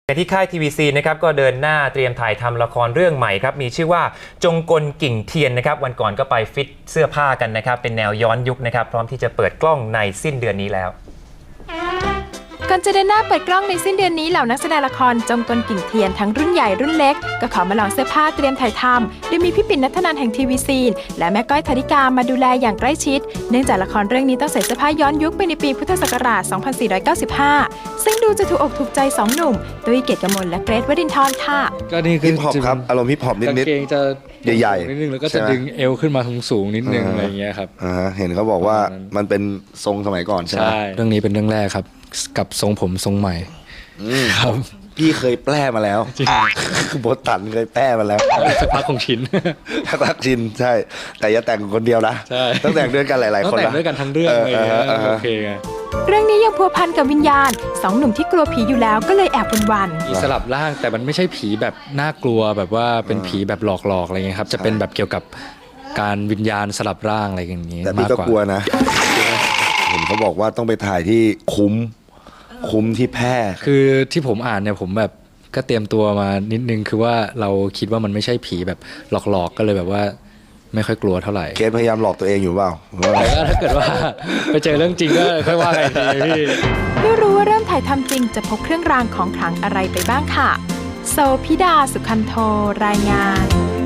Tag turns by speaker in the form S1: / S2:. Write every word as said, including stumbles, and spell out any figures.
S1: ที่ค่าย ที วี ซี นะครับก็เดินหน้าเตรียมถ่ายทำละครเรื่องใหม่ครับมีชื่อว่าจงกลกิ่งเทียนนะครับวันก่อนก็ไปฟิตเสื้อผ้ากันนะครับเป็นแนวย้อนยุคนะครับพร้อมที่จะเปิดกล้องในสิ้นเดือนนี้แล้ว
S2: ก่อนจะเดินหน้าเปิดกล้องในสิ้นเดือนนี้เหล่านักแสดงละครจงกลกิ่งเทียนทั้งรุ่นใหญ่รุ่นเล็กก็ขอมาลองเสื้อผ้าเตรียมถ่ายทำโดยมีพี่ปิ่นณัฐนันท์แห่ง ที วี ซี และแม่ก้อยธนิกามาดูแลอย่างใกล้ชิดเนื่องจากละครเรื่องนี้ต้องใส่เสื้อผ้าย้อนยุคไปในปีพุทธศักราช สองพันสี่ร้อยเก้าสิบห้า ซึ่งดูจะถูกอกถูกใจสองหนุ่มตุ้ยเกียรติกมลและเกรทวรินทร์ค่ะ
S3: ก็นี่คือ
S4: ฮิปฮอปครับอารมณ์ฮิปฮอปนิดๆ
S3: กางเกงจะ
S4: ใหญ่ๆ
S3: นิดนึงแล้วก็จะดึงเอวขึ้นมาสูงๆนิดนึงอะไรอย่างเงี้ยครับ
S4: อ่าเห็นเขาบอกว่ามันเป็นทรงสมัยก่อนใช่ไหม
S3: ใช่เรื่องนี้เป็นเรื่องแรกครับกับทรงผมทรงใหม่ครับ
S4: พี่เคยแปล้มาแล้วโบตันเคยแปล้มาแล้ว
S3: สักพักคงชิน
S4: สักพักชินใช่แต่อย่าแต่งคนเดียวนะต้องแต่งด้วยกันหลายๆคน
S3: ต้องแต่งด้วยกันทั้งเรื่องเลยโอเคไง
S2: เรื่องนี้ยังพัวพันกับวิญญาณสองหนุ่มที่กลัวผีอยู่แล้วก็เลยแอบวัน
S3: ๆมีสลับร่างแต่มันไม่ใช่ผีแบบน่ากลัวแบบว่าเป็นผีแบบหลอกๆอะไรเงี้ยครับจะเป็นแบบเกี่ยวกับการวิญญาณสลับร่างอะไรอย่างนี้
S4: แต่พี่ก็กลัวนะเห็นเขาบอกว่าต้องไปถ่ายที่คุ้มคุ้มที่แพร่
S3: คือที่ผมอ่านเนี่ยผมแบบก็เตรียมตัวมานิดนึงคือว่าเราคิดว่ามันไม่ใช่ผีแบบหลอกๆก็เลยแบบว่าไม่ค่อยกลัวเท่าไหร่
S4: เกณฑ์พยายามหลอกตัวเองอยู่เปล่า
S3: แต่ก็ถ้าเกิดว่าไปเจอเรื่องจริงก็ค่อยว่ากันทีพี่
S2: ไม่รู้ว่าเริ่มถ่ายทำจริงจะพกเครื่องรางของขลังอะไรไปบ้างค่ะโซพิดาสุขันโทรายงาน